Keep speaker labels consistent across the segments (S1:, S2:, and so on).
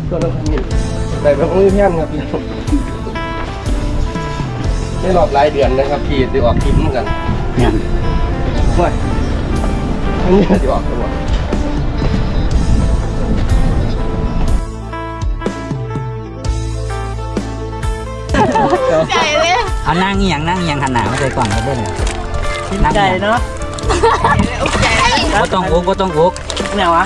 S1: ส่วนเราทำนี่แต่แบบมือแพนครับพี่ได้รอบหลายเดือนนะครับพี่ได้ออกคลิปเหมือนกัน
S2: เนี่ย
S1: ว้ายอันนี้ได้ออกตัว
S3: ใจเลย
S2: เอานั่งเอียงขนาดไม่ใช่กล่องเขาเบิ้ลนั่งใจเนาะก็ต้องอุกเนี่ยวะ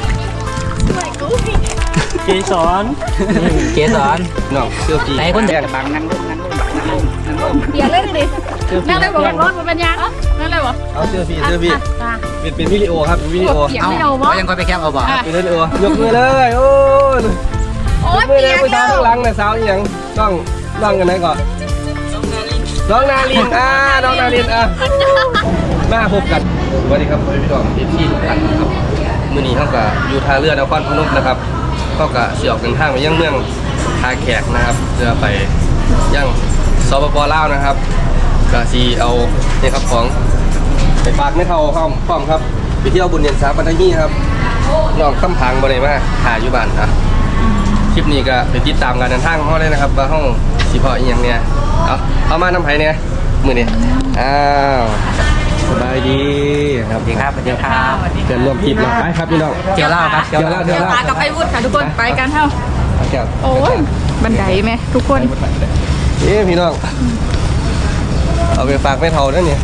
S2: เกสร
S1: น้องเสื้อพี่
S2: ไหนคนเด็กบังนั่งลง
S3: เดี๋ยวเล่นดินั่งเลยบอกรถมันเป็นยังนั่งเลยบอก
S1: เอาเสื้อพี่เป็นวิดีโอครับวิดีโอ
S2: เอายังคอยไปแคบเอาบ่
S1: เป็นวิดีโอยกมือเลยโอ้ยยกมือเลยไปทางข้างหลังนะสาวอย่างต้องกันไหนก่อนน้องนาลินน้องนาลินมาพบกันสวัสดีครับพี่น้องที่ทุกท่านนะครับมื้อนี้เขาก็อยู่ท่าเรือนครพนมนะครับเขาก็เสี่ยวกันทางไปยังเมืองท่าแขกนะครับเพื่อไปยังสปป.ลาวนะครับก็สีเอาเนี่ยครับของไปฝากไม่เท่าพร้อมครับไปเที่ยวบุญเดือน3 ปัตตานีครับน้องคำพังบ่ได้มาถ่ายอยู่บ้านครับคลิปนี้ก็ไปติดตามการเดินทางของเขาเลยนะครับว่าห้องสิพออีกอย่างเนี่ยเอามาน้ำไผ่เนี่ยมือนี่สบายดีครับ
S2: สวัสดีครับ
S1: เกินรวมคลิปเราไปครับพี่น้อง
S2: เจียวเล่าครับ
S1: เจียวเล่า
S3: กับไอ้วุฒิค่ะทุกคนไปกันเท่าโอ้ยบันไดไหมทุกคน
S1: พี่น้องเอาไปฝากไม่เท่านั่นเนี่ย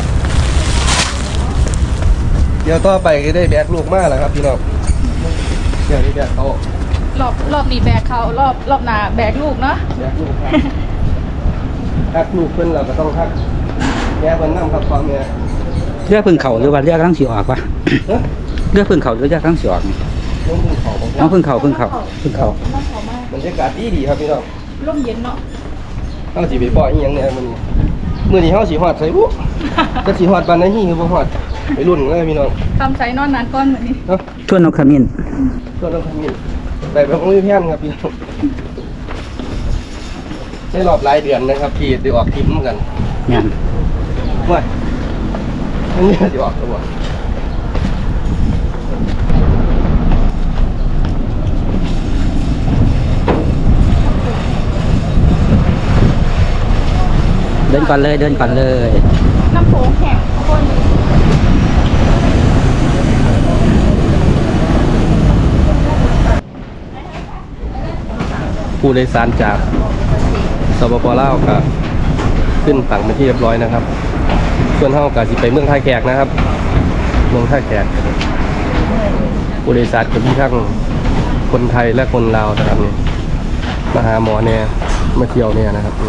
S1: เดี๋ยวต่อไปก็ได้แบกลูกมากแล้วครับพี่น้องเดี๋ยวนี้แบกเขา
S3: รอบนี้แบกเขารอบหน้าแบกลูกเนาะ
S1: แบกลูกทักลูกเพิ่นเราก็ต้องทักแย่เพิ่นนั่งครับความเนี่ย
S2: เลือกพึ่งเขาหรือว่าเลือกทั้งสีออกวะเลือกพึ่งเขาหรือเลือกทั้งสีออกน้องพึ่งเขาบรร
S1: ยากาศดีครับพี่น้อง
S3: ร่มเย็นเนาะ
S1: เขาสีไปปล่อยอีหยังเนี่ยมื้อนี้เขาสีหอดใส่บุจะสีหอดบานไหนที่คือบ่หอดไปรุ่นเลยพี่น้อง
S3: ทำใส่นอนนานก้อนเหมือนนี้
S2: ชวนนกขมิ้น
S1: แต่แบบมือแพนครับพี่น้องได้รอบหลายเดือนนะครับพี่ได้ออกคลิปเหมือนกัน
S2: เนี่ย
S1: ว้ายอันนี้ได้ออกตัว
S2: เดินก่อนเลย
S3: น้ำโขงแข็งคน
S1: ผู้โดยสารจากสปป.ลาวก็ขึ้นฝั่งเป็นที่เรียบร้อยนะครับส่วนเฮาก็สิไปเมืองท่าแขกนะครับเมืองท่าแขกผู้โดยสารก็มีทั้งคนไทยและคนลาวนะครับนี่มาหาหมอเนี่ยมาเที่ยวเนี่ยนะครับ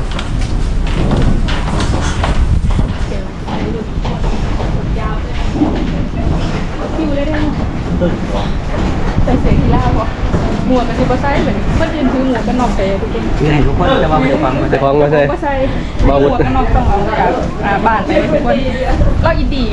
S3: คิวเลยได้ไหมใส่เสียงกีฬาพอหมวกกันที่บ้านใส่เหมือนเมื่อคืนคือหมวกกันนอกไปทุกคน
S2: ยืนให้ทุกคนจะว่าไม่ได้ฟัง
S1: มาใส่
S3: หมวกกันนอกต้องเอาจากบ้านไปทุกคนเราอินดี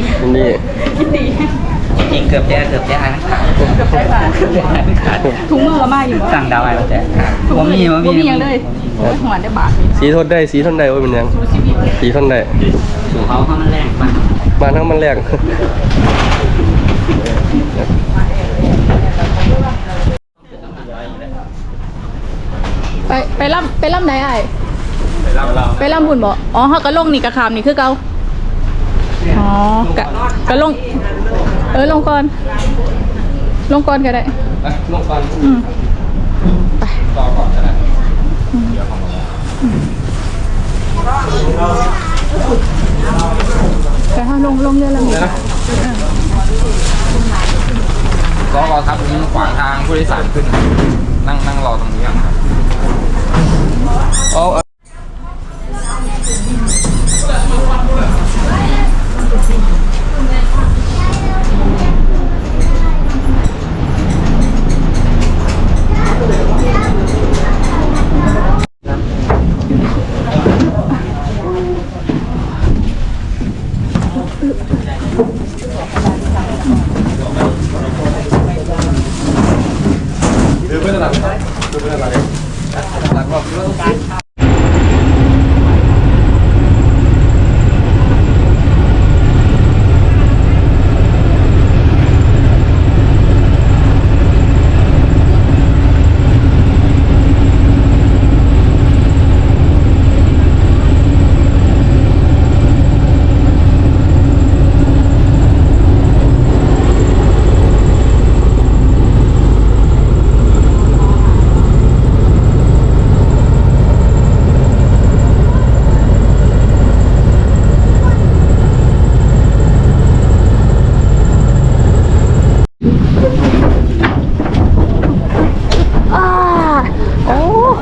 S2: จริงเกือบแย่
S3: ใช้บ้านถุงมือละมาอยู่
S2: สั่งดาวไอ้มาแจกผมมี
S3: ยังเลยหัวได้บาท
S1: สีทนได้ว่าเป็นยังสีทนได้
S2: สู่เขามันแรง
S1: บ้านเขามันแรง
S3: ไปล่ำไหนไอ้ไปล่ำบุญบ่อ๋อเขาก็ลงนี่กระคามนี่คือเกาอ๋อกะลงลงก่อนก็ได้
S1: ลงก่อน
S3: ไป
S1: ต่อก่อนก็ได้
S3: ไปห้าลงเรือลำนี้
S4: รอครับมีขวางทางผู้โดยสารขึ้นนั่งรอตรงนี้ครับ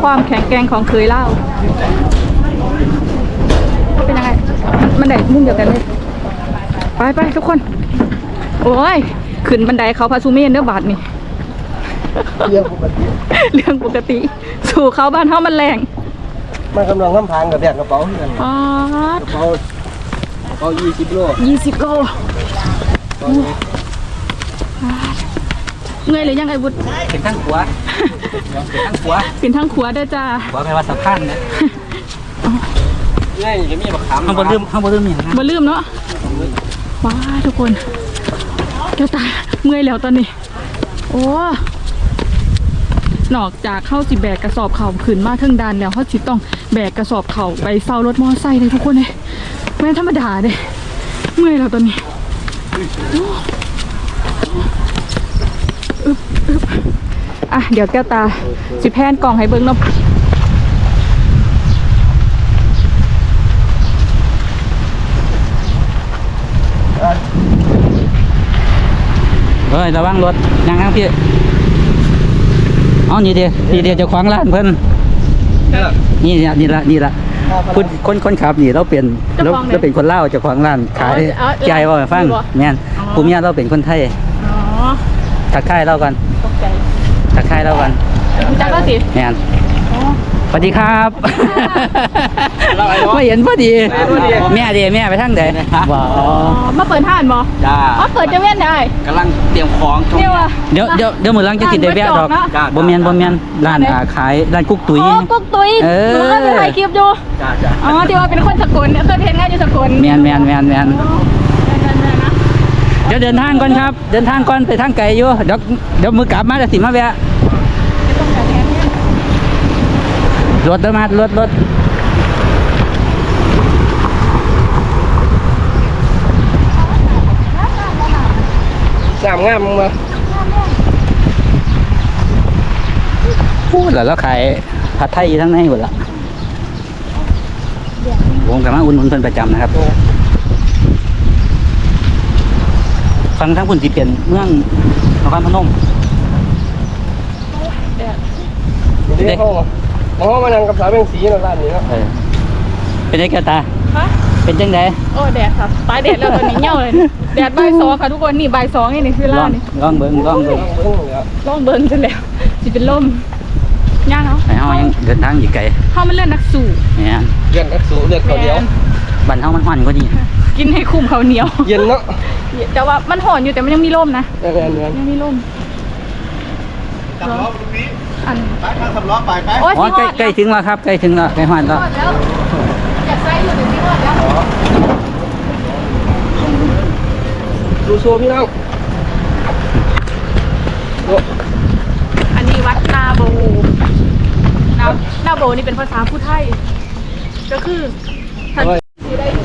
S3: ความแข็งแกร่งของเคยเล่าเป็นยังไงมันได้มุมเดียวกันเลยไปทุกคนโอ้ยขึ้นบันไดเขาพาซูเมนเด้อบาทนี่เรื่องปกติสู่เขาบ้านเขามันแรง
S1: มันกำลังน้ำพังกับแบกกระเป๋าที่กันกระเป๋า20 โล
S3: 20 โลเงยเลยยังไงบุตร
S2: เป็นทั้งขัวเป็นทั้งขัว
S3: เป็นทั้งขัวเด้อจ้า
S2: ขัวแปลว่าสะพานนะ
S1: นี่จะมีบักขาม
S2: ข้างบนลืมอย่างนั้น
S3: บ่ลืมเนาะว้าทุกคนเจ้าตาเมื่อยแล้วตอนนี้โอ้นอกจากเข้าสิแบกกระสอบเข่าขึ้นมาถึงดานแล้วเขาสิต้องแบกกระสอบเข่าไปเฝ้ารถมอไซค์เลยทุกคนเลยไม่ธรรมดาเลยเมื่อยแล้วตอนนี้อึบอ่ะเดี๋ยวแก้วตาสิแพนกล่องให้เบิ้งเนาะ
S2: เฮ้ยระวังรถยังข้างพี่อ๋อนี่เดียวจะขวางร้านเพิ่นนี่ละคนขับนี่เราเป็นเราเป็นคนเล่าจะขวางร้านขายใจว่าฟังแม่นภูมิญาเราเป็นคนไทยทักทายเรากันทักทายเรากัน
S3: จักก็สิ
S2: แม่นสวัสดีครับไม่เห็นพอดีแม่ไปทางไหนบ่
S3: มาเปิดห้านบ่
S2: จ้า
S3: มาเปิดจะเว้นได้
S2: กำลังเตรียมของเดี๋ยวมื้อหลังจะกินได้แวะดอกบ่แม่นร้านขายร้านกุ๊กตุ๋ย
S3: กุ๊กตุ๋ยหนูก็ไปถ่ายคลิปอยู่อ๋อที่ว่าเป็นคนสกลเคยเห็นงานอยู่สกล
S2: แม่นเดี๋ยวเดินทางก่อนครับเดินทางก่อนไปทางไกลอยู่เดี๋ยวมื้อกลับมาจะสิมาแวะรถมารถ
S1: งามมา
S2: พูดแล้วขายผัดไทยทั้งในหมดละผมกับมาอุ่นเป็นประจำนะครับฟังทั้งคุณที่เปลี่ยนเมืองนครพนม
S1: เด็กห้องมานั่งกับสาวเบงสีในร้านนี้เนาะ
S2: เป็นไงแกตาเป็นจังได
S3: โอ้แดดครับตายแดดแล้วตอนนี้เหี่ยวเลยแดดบ่าย 2ค่ะทุกคนนี่บ่าย 2นี่คือร้านนี่
S2: ลองเบิ่ง
S3: จนแล้วสิเป็นลมย่างเนาะ
S2: เฮายังเดินทางอีกไกล
S3: เฮามันเลื่อนนักสู่
S2: เนี่ย
S1: เลื่อนนักสู่เลือดเขาเดียว
S2: บ้านเฮามันฮ้อนกว่านี้
S3: กินให้คุ้มข้าวเหนียว
S1: เย็นเนาะ
S3: แต่ว่ามันห่อนอยู่แต่มันยังมีลมนะยังมีลม
S1: ขับล้อตรงนี้
S3: อัน
S1: ไปขับล้อไป
S3: โอ้ย
S2: ใกล้ถึงแล้วครับใกล้ถึงแล้วใกล้ฮ้อนแล้ว
S3: อยากใส่อยู่แต่ที่ฮอดแล้ว
S1: ดูโซพี่น้อง
S3: อันนี้วัดนาโบนาโบนี่เป็นภาษาผู้ไทยก็คือท่านที่ได้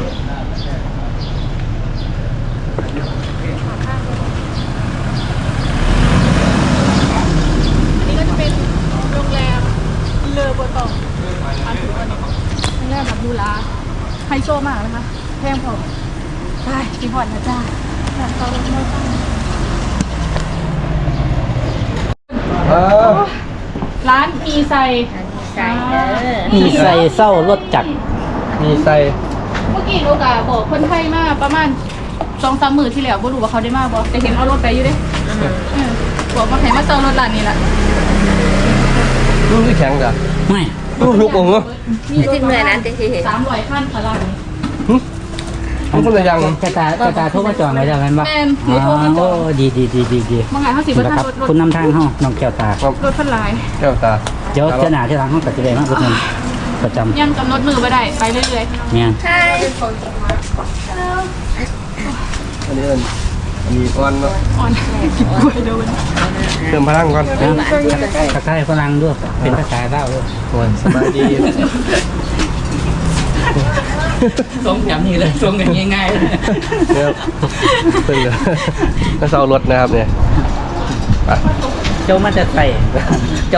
S3: อันนี้ก็จะเป็นโรงแรมเลอโบตองอันนี้โรงแรมแบบดูลาไฮโซมากนะคะแพงพอใช่จีพอดนะจ้าร้านมีไซ
S2: เศร้ารถจักร
S1: มีไซ
S3: เมื่อกี้ลูกอะบอกคนไทยมาประมาณ 2-3 มื้อที่แล้วบ่รู้ว่าเขาได้มาบ่แต่เห็นเอารถไปอยู่เด้บอกว่าให้มาเซารถร้านนี้ล่ะ
S1: ลูกที่แข็งจ้ะ
S2: ไม่
S1: ลูกองเหรอ
S3: มีรถเหนื่อยนั้นจริงๆ300คันค่ะร้านนี้
S1: ทุกคนเลยยัง
S2: กระตาโทรมาจองไว้แล้วกันบ่
S3: แม่นหนูโทรมาจอง
S2: ดี
S3: บางไงเฮาสิบ่ทันรถ
S2: คุณนำทางเฮาน้องแก้วตาร
S3: ถเพิ่นหลาย
S1: แก้วตา
S2: เดี๋ยวหน้าที่ร้านเฮาก็สิได้มาอุดหนุนประจำ
S3: ยังกำหนดมือบ่ได้ไปเรื่อย
S2: ๆเนี่ย
S3: ใช่
S1: อันนี้อ่อนเนาะ
S3: อ่อนกินกล้วยเด้อ
S1: เติมพลังก่อน
S2: ทักทายฝรั่งด้วยเป็นภาษาลาวด้วย
S1: โอ้ยสบายดี
S2: ส่งแบบนี้เลยส่งกันง่ายๆเลย
S1: เพิ่งเลยก็เซารถนะครับเนี่ย
S2: เจ้ามาจะใส่เจ้า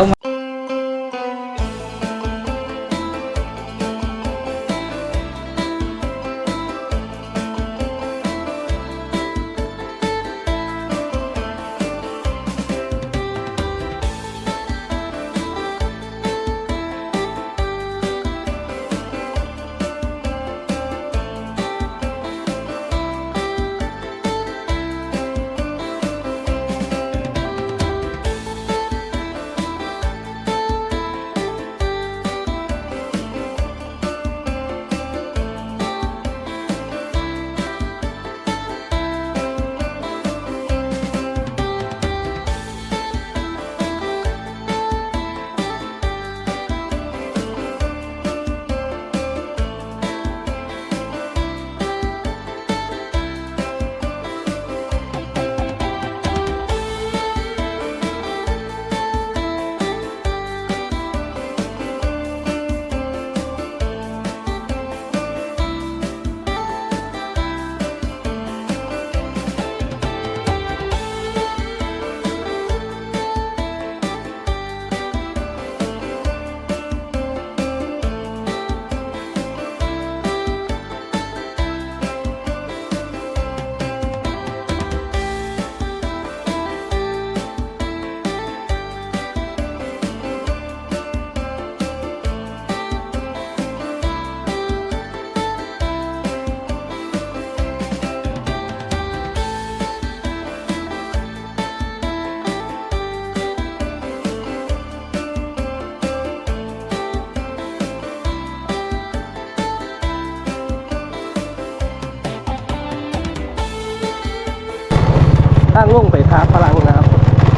S1: ทางลงไปท่าฝรั่งนะครับ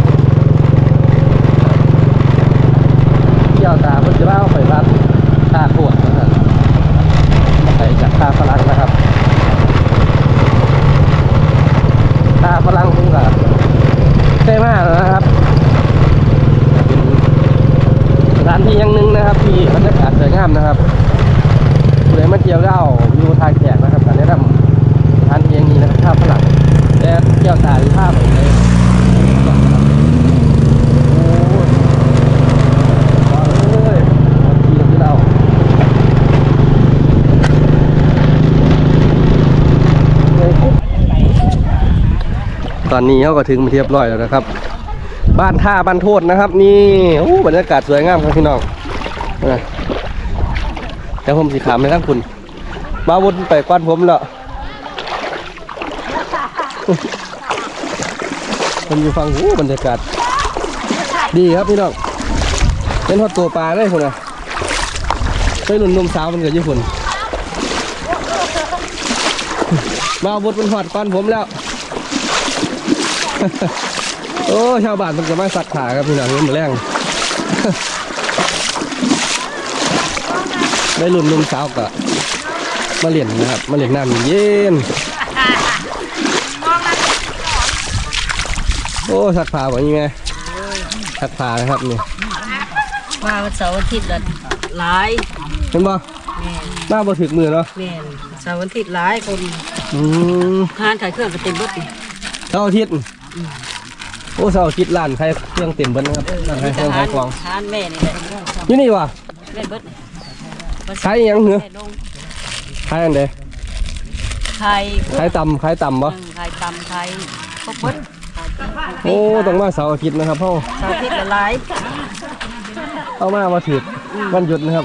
S1: เที่ยวตาเพิ่นจะเล่าไปวัดท่าขวดนะครับไปจากท่าฝรั่งนะครับท่าฝรั่งพุ่งกับใช่มากนะครับเป็นสถานที่อย่างหนึ่งนะครับที่บรรยากาศสวยงามนะครับเลยมาเที่ยวเล่าอยู่ทางแขกนะครับแต่แนะนำสถานที่อย่างนี้นะครับท่าฝรั่งแต่เที่ยวตาหรือท่าไปเลยตอนนี้เขาก็ถึงมาเรียบร้อยแล้วนะครับบ้านท่าบ้านโทษนะครับนี่โอ้บรรยากาศสวยงามครับพี่น้องแต่ผมสีขาวไม่ทั้งคุณมาวนไปกวนผมแล้วผมอยู่ฟังโอ้บรรยากาศดีครับพี่น้องเป็นทอดตัวปลาได้คุณนะไปหนุนนมสาวมันเกิดญี่ปุ่นมาวนเป็นหอดกวนผมแล้วโอ้ชาวบ้านมันจะมาสักขาครับพี่น้องนี่มันแรงได้รุ่นนุ่มสาวกะมาเล่นนะครับมาเล่นน้ำเย็นโอ้สักขาแบบนี้ไงสักขานะครับนี่
S5: มาวันเสาร์อาทิตย์ละหลาย
S1: เห็นบ่หน้าบ่ถึกมือเนาะ
S5: แม่นเสาร์อาทิตย์หลายคนงานขายเครื่องก็เต็มเบิดดิ
S1: เสาร์อาทิตย์โอ้เสาร์อาทิตย์ร้านใครเครื่องเต็มเบิดนะครับร้านใครเครื่องขายของ
S5: ทานแม่นี่แหละ
S1: อยู่นี่วะ
S5: แม่เบิด
S1: ขายยังเหรอขายอันเด
S5: ขาย
S1: ขายตำบ่
S5: ขายตำขายพวกเบิด
S1: โอ้ต้องมาเสาร์อาทิตย์นะครับพ่อ
S5: เสาร์อาทิตย์ละหลาย
S1: เอามาถือวันหยุดนะครับ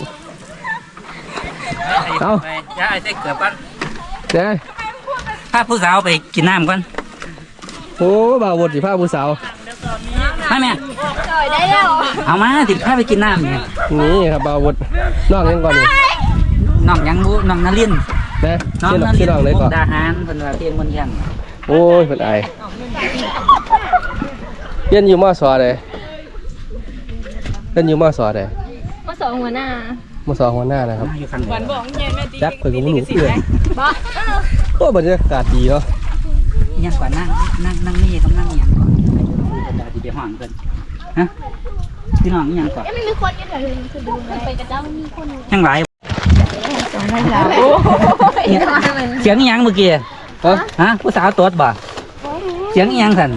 S1: เอา
S2: อย่าไอ้เด็กเกือบกัน
S1: เดี๋ยว
S2: พาผู้สาวไปกินน้ำก่อน
S1: โอ้บ่าวบดสิพาผู้สาว
S2: มาแม่เอามาติดพาไปกินน้ำเนี่ย
S1: นี่ครับบ่าวบดน้องยังก่อนนี่
S2: น้องยังบูน้องนาริน
S1: นะ
S2: น้อง
S1: ชื่อ
S2: นา
S1: น้อง
S2: ริน
S1: เลยก่อน
S2: ดาหารคนว่าเพียงมันยัง
S1: โอ้ยเป็นไอเรียนอยู่ม.ส.เลยเรียนอยู่ม.ส.เลย
S3: มาสองหัวหน้า
S1: ม.ส.หัวหน้านะครับ
S2: อยู่ข้าง
S3: หวานบอกเย็นแม่ตี
S1: จักเพิ่งรู้เพื่อน
S3: บ้า
S1: โอ้บรรยากาศดีเนาะ
S2: ยังกว่านั่งนี่ต้องนั่งยังก่อนดาดีไปห้องกันฮะพี่น้องยังก่อน
S3: ไม่มีคนกันเหรอคือดูไปกระเจ้ามีคน
S2: ยังไร
S3: ไม่ใช่โอ้
S2: เสียงยังเมื่อกี้ ฮะผู้สาวตัวบ่เสียงยังสั่น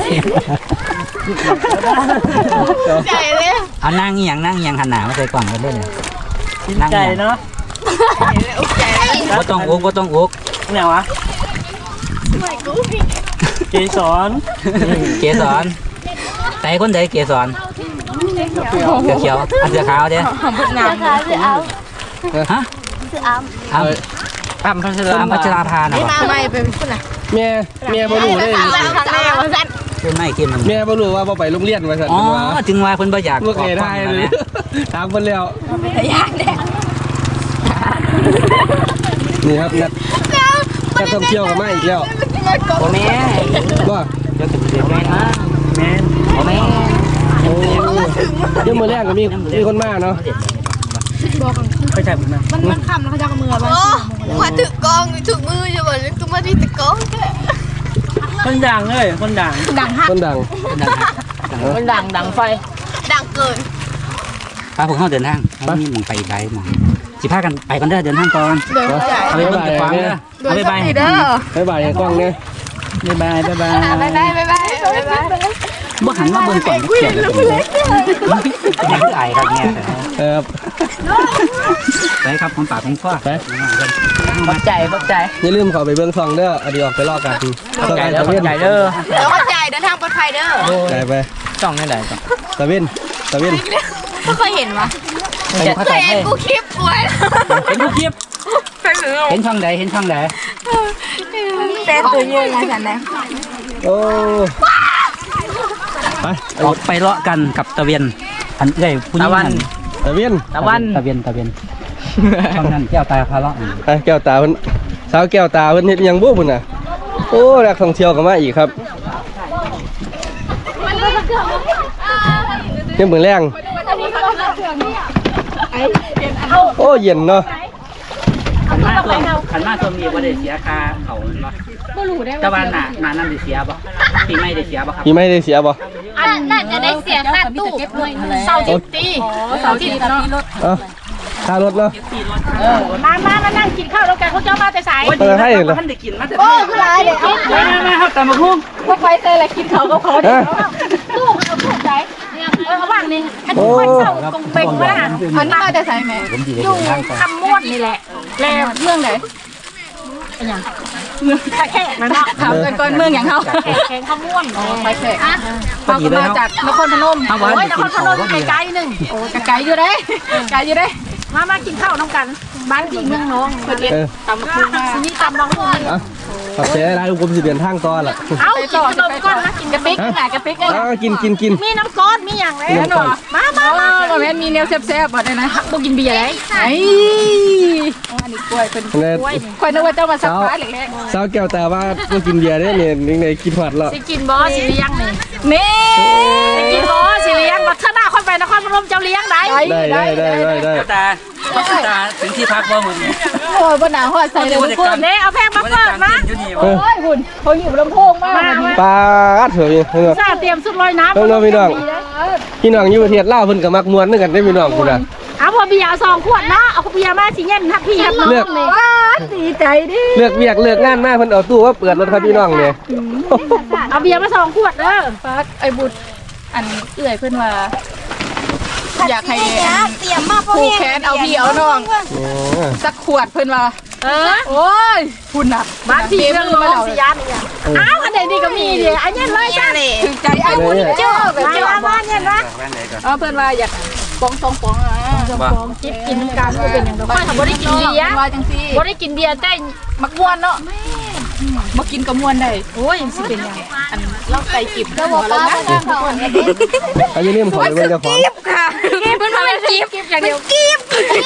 S3: ใจเลย
S2: เอานั่งยังหันหน้ามาใส่กล่องกันได้เลย
S5: ใจเนาะ
S2: ก็ต้องอุก
S5: แนววะเกสร
S2: เกสรแต่คนใดเกสรเขียวอันเสือขาวเด้
S3: งานคือเอา
S2: ฮะ
S3: คือเอา
S2: อ้ำพัชราภานะ
S3: มาไม่เป็นคนไหน
S1: เมียบ่รู้เลย
S3: ครั้งแรกว่าสั้น
S2: เป็นไม่กินมัน
S1: เมียบ่รู้ว่าบ่ไปโรงเรียนว่าซั่น
S2: อ๋อ
S1: ว่า
S2: ถึงว่าเพิ่นบ่อยาก
S1: ลูกเอ๋ได้เลยถามเพิ่นแล้ว
S3: ยากแน่
S1: นี่ครับนักท่องเที่ยวก็มาอีกแล้ว
S2: โอ้แม่
S1: บ่
S2: เดี๋ยวแม่นะแม่โอ้แม่
S1: โอ้เดี๋ยวมื้อแรกก็มีคนมาเนาะ
S2: ไม่ใช่ผมนะ
S3: มันคำแล้วเขาจะกับมือบ้าง
S6: มาถึงกองถึงมือจะบอกเลยก็มาที่ตะกองแค่
S5: คนดังเลยคนดัง
S3: ดังฮัก
S1: คนดัง
S5: คนดังไฟ
S6: ดังเกิน
S2: พาพวกเขาเดินทางเขามีหมองไปไกลหมองสิพากันไปกันเด้อเดินทางก่อน
S3: เดินใจ
S2: เอาไปเบิ่งกับฟังเด้อเอาไปไป
S3: เด้อ
S1: บ๊ายบายกล้องเนี่ย
S2: บ๊ายบาย
S6: บ๊ายบายบ๊ายบายบ๊ายบาย
S2: บ่หันมาเบิ่งก่อนเขียนเลยยังคือไอครับเนี่ย
S1: ครับ
S2: ไปครับของปากของคอ
S1: ไป
S5: ปักใจ
S1: อย่าลืมเข้าไปเบิ่งซองเด้ออดีออกไปลอกกัน
S5: ปักใจเด้อปักใจเด้อ
S6: แล้วเข้าใจเดินทางปลอดภัยเด้อ
S1: ไป
S5: จ้องนี่ไหนจ้อง
S1: ตะวิน
S6: ไม่เคยเห็นวะ
S2: เข้า
S6: เค
S2: ใจ
S6: ยเห็นกูคลิปป่วย
S2: เห็นทุกคลิปเห็นช่องใดเห็นช่องใด
S6: เป็นตัวยืนนะฉันนะ
S1: โอ้ไป
S2: ออกไปเลาะกันกับตะเวียนอันใหญ่ผู้หญิง
S1: ตะวิน
S2: ตะเวียนช่องนั้นแก้วตาพาเลาะ
S1: ไปแก้วตาเพิ่นสาวแก้วตาเพิ่นเฮ็ดหยังบ่พุ่นน่ะโอ้นักท่องเที่ยวก็มาอีกครับยังเหมือนแรงโอ้เย็นเนาะ
S2: ขันมาตัวมีว่าได้เสียค่าเขาเนาะแต่ว่าหนานั่นได้เสียบ่ปีไม่ได้เสียบ่ครับ
S1: พี่ไม่ได้เสียบ่
S6: อันน่าจะได้เสียค่าตู้เสาทิพย์ตีเสาทิพย์เนาะ
S1: ค่ารถเนาะ
S3: มานั่งกินข้าวแล้วกันเขาเจ้ามาแต่สาย
S1: มาให้เหรอ
S2: มันได้กินมาแต่
S6: โอ้คือไรเลยเอา
S2: มาครับแต่มาพุ่ง
S3: พวกไฟเตยอะไรกินเขาเขาเดี๋ยวตู้เขาถูกใจเขาว่างนี่อันนี้คนเศร้ากงเป่งมากอันนี้มาแต่สายแม่อยู่คำม่วนนี่แหละแล้วเมืองไหนเมืองแขกนะเนาะถามกันก่อนเมืองอย่างเขาแขกคำม่วนไปแขกเขาก็มาจากนครพนมโอ้ยนครพนมไกลๆนึงโอ้ไกลอยู่ได้ไกลอยู่ได้มากินข้าวน้ำกันบ้านที่เมืองน้องเพื่อนตำกุ้งนี่ตำบางคน
S1: ขอบใจได้ลูกผมสิเปลี่ยนทางต่อละ
S3: เอากินขนมก้อนนะกินกระปิกไหนกระปิกเลย
S1: กิน
S3: มีน้ำก้อนมีอย่างไรเนาะมาแม่มีแนวแซ่บๆบ่ได้นะบ่กินเบียร์ได้ไอ้อันนี้กล้วยเป็นกล้วยนึกว่าเจ้ามาสักฟ้าแรก
S1: สาวแก้วแต่ว่าก็กินเบียร์ได้เนี่ยในกินหอดแล้ว
S3: สิกินบ่สิเลี้ยงนี่สิกินบ่สิเลี้ยงบ่ถ้าหน้าคนไปนครพนมเจ้าเลี้ยงได้
S2: ตาถึงที่พักบ่มึง
S3: โอ้ยบ่หนาวฮอดใส่เลยเพิ่มเด้เอาแพงมาเปิดนะโอ้ยหุ่นเขาอยู่ลำโพงมาก
S1: ปลาเถอะพี่น้อง
S3: ซาเตรียมสุดลอยน้ำ
S1: พี่น้องพี่น้องอยู่ประเทศลาวเพิ่นก็มักม่วนด้วยกันได้พี่น้องคุณน่ะ
S3: เอาพอเบียร์2 ขวดนะเอาเบียร์มาสิเย็นทักพี่ครับน้องนี่ดีใจดิ
S1: เลือกเวียกเลือกงานมาเพิ่นเอาตู้ว่าเปิดรถครับพี่น้องเนี่ย
S3: เอาเบียร์มา2 ขวดเด้อฟักไอ้บุตรอันเอื้อยเพิ่นว่าอยากให้
S6: เตรียมมาพวก
S3: ผูก
S6: นี้
S3: แขนเอาพี่เอาน้องสักขวดเพิ่นว่าโอ้ยคุณน่ะบ้านพี่เรื่องน้องสิยานอีหยังอ้าวอันไหนนี่ก็มีดิอันนี้เลยจ้ะถึงใจไอ้บุญเจ้าแบบเจ้าบ้านเนี่ยนะเพิ่นว่าอยากปองกินกันบ่เป็นหยังดอกค่อยบ่ได้กินเบียร์ว่าจังซี่บ่ได้กินเบียร์แต่มักม่วนเนาะบ่กินก็ม่วนได้โอ้ยสิเป็นหยังอันเราไก่กิบเจ้าบ่ป้าทุกคน
S1: อันนี้มันขอเลยเจ้าของ
S3: ค่ะเพิ่นว่าเป็นกิบอย่างเดียวกิบ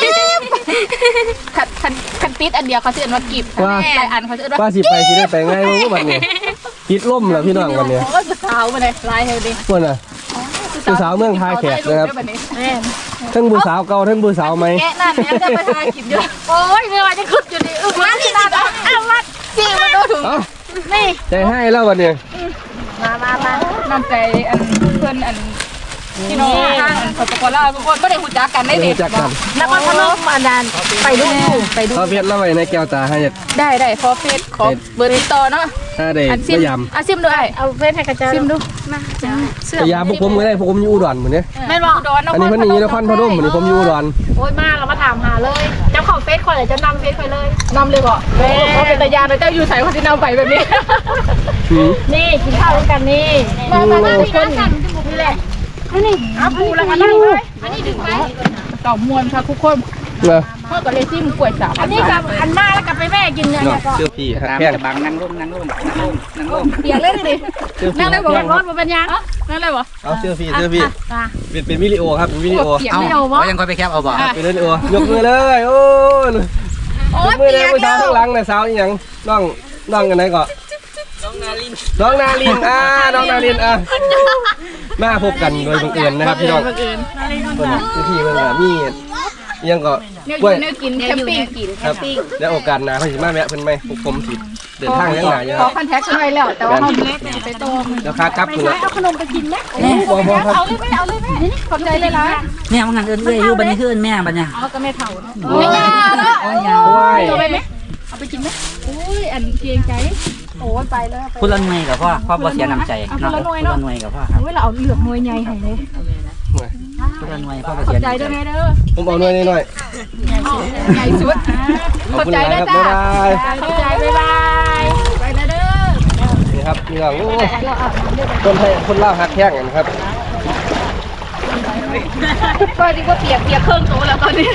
S3: คันติดอันเดียวเขาสิเอิ้นว่ากิบหลายอันเขาสิเอิ้นว่า
S1: ว่าสิได้ไปง่ายบ่บัดนี้คิดล่มแล้วพี่น้องวันนี้
S3: โอ้ยสาวมาเลยลายเฮาดิ
S1: เพิ่นน่ะผู้สาวเมืองท่าแขกนะครับทั้งผู้สาวเก่าทั้งผู้สาวใหม่
S3: แกะนั่นเนี่ยจะไปทายกินอยู่โอ้ยไม่ว่าจะขึ้นอยู่ดิมาที่นั่นเอาวัดสิมาดูถุงนี่
S1: ใจให้แล้ววันนี้
S3: มาน้ำใจอันเพื่อนอันพี่น้องข้างสปปลาวทุกคนไม่ได้หูจักกันได้เด็ดแล้วก็พนมอันนั้นไปดู
S1: เขาเพียรแล้วไว้ในแก้วตาให้
S3: ได้ขอเฟซขอเบอร์ติดต่อเนาะ
S1: ถ้าได้พยายาม
S3: ซิมด้วยเอาเฟซให้กระจายซิมดูมา
S1: พยายามพวกผมก็ได้พวกผมอยู่อุดรเหมือนนี้
S3: แม่นบอก
S1: อันนี้เพิ่นนี่นครพนมเหมือนผมอยู่อุดร
S3: โอ้ยมาเรามาถามหาเลยเจ้าของเฟซคนไหนจะนำเฟซไปเลยนำเลยบอกเขาเป็นตายาเลยเจ้าอยู่ใส่คนที่นำไปแบบนี้นี่กินข้าวด้วยกันนี่มาทุกคนนี่แหละนี่เอาปูแล้วกันนั่งเลยอันนี้ดึงไปต่อมวนค่ะทุกคนพ่อกับเลซี่มึงป่วยสาวอันนี้กับอันมาแล้วกับไปแม่กินเนี่ยก็
S1: เชื่อพี่
S2: ตาม
S1: แข้ง
S2: จะบังนั่งร่ม
S3: เปียกเลยดินั่งเลยบอกร้อนมาเป็นยังนั่งเลยบอก
S1: เอาเชื่อพี่เป็นวิดีโอครับเป็นวิดีโอ
S3: เปียกไม่เอาวะ
S2: ยังค่อยไปแคปเอาบ่
S1: เป็นวิดีโอยกมือเลยโอ้ยยกมือเลยผู้สาวข้างหลังเนี่ยสาวอีหยังน้องกันไหนก่อนน้องนาลินน้องนาลินมาพบกันโดยบังเอิญนะครับพี่น้องพี่เพิ่นก็มียังก็
S3: เนื้อกินแคมปิ้ง
S1: ครับแล้วโอกาสหน้าเพิ่นสิมาแวะเพิ่นไหมพวกผมสิเดินทางยังหนาอยู่
S3: ข
S1: ค
S3: อ
S1: รับ
S3: คอนแทคกันไว้แล้วแต่ว่าเขาไปโต
S1: แล้วค่ากลับคุณละ
S3: เอาขนมไปกินไหม
S1: บ่ครับ
S3: เอาเลยไหมนี่ขอบใจเลยล่ะ
S2: แม่มันหันเอื้อยอยู่บัดนี้คือแม่บัดเนี่ย
S3: เอาก็ไม่เท่าไม่ยาเนาะ
S1: โอ้ย
S3: เอาไปไหมเอาไปกินไหมอุ้ยอันเกรงใจโอ้ไปเลย
S2: คุณละหน่วยกับพ่อบ่เสียน้ำใจเนาะคุณละหน่วยกับพ่อครับ
S3: เวลาเอาเหลือกมวยใหญ่ให้เลย
S2: คุณละหน่วยพ่อบ่
S3: ขอ
S2: เสีย
S3: บใจ
S2: น้ำใจ
S3: ด้วยไงเด้อ
S1: ผมเอาหน่อยหน่อย
S3: ใหญ่สุด
S1: ขอบคุณหลายครับบ๊ายบาย
S3: ขอบใจบ๊ายบายไปนะเด้อ
S1: นี่ครับพี่น้องคนไทยคนลาวฮักแข้งกันครับ
S3: ก็ดีว่าเปียกเครื่องโตแล้วตอนนี้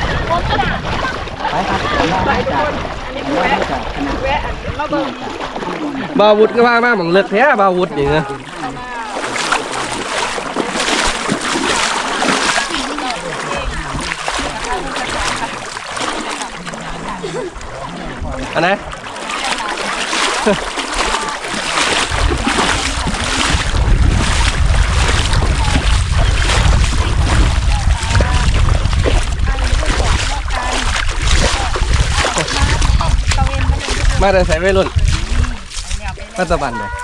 S1: บาวุธก็ว่ามาเหมือนเลือกแท้บาวุธนี่นะอันไหนมาได้ใส่ไว้รุ่นมาตะบันเลย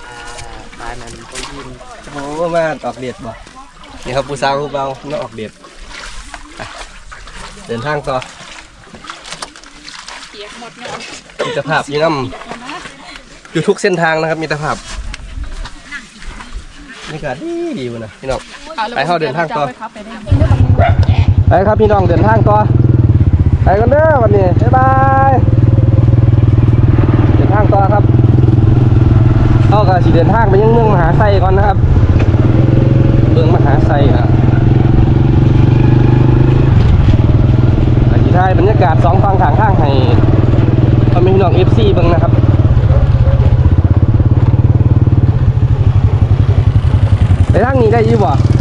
S1: โอ้มาออกเดียดบ่นี่ครับผู้สาวผู้เบามาออกเดียดไปเดินทางต่อมิตรภาพยี่น้ำอยู่ทุกเส้นทางนะครับมิตรภาพนี่ก็ดีวะนะพี่น้องไปเข้าเดินทางต่อไปครับพี่น้องเดินทางต่อไปกันเด้อวันนี้บ๊ายบายเดินทางต่อครับเอากระสีเดินทางไปยังเมืองมหาไซก่อนนะครับเมืองมหาไซครับอธิท้ายบรรยากาศสองฝั่งทางข้างให้พ่อแม่พี่น้อง FC เบิ่งนะครับไปทางนี้ได้ยี่บ่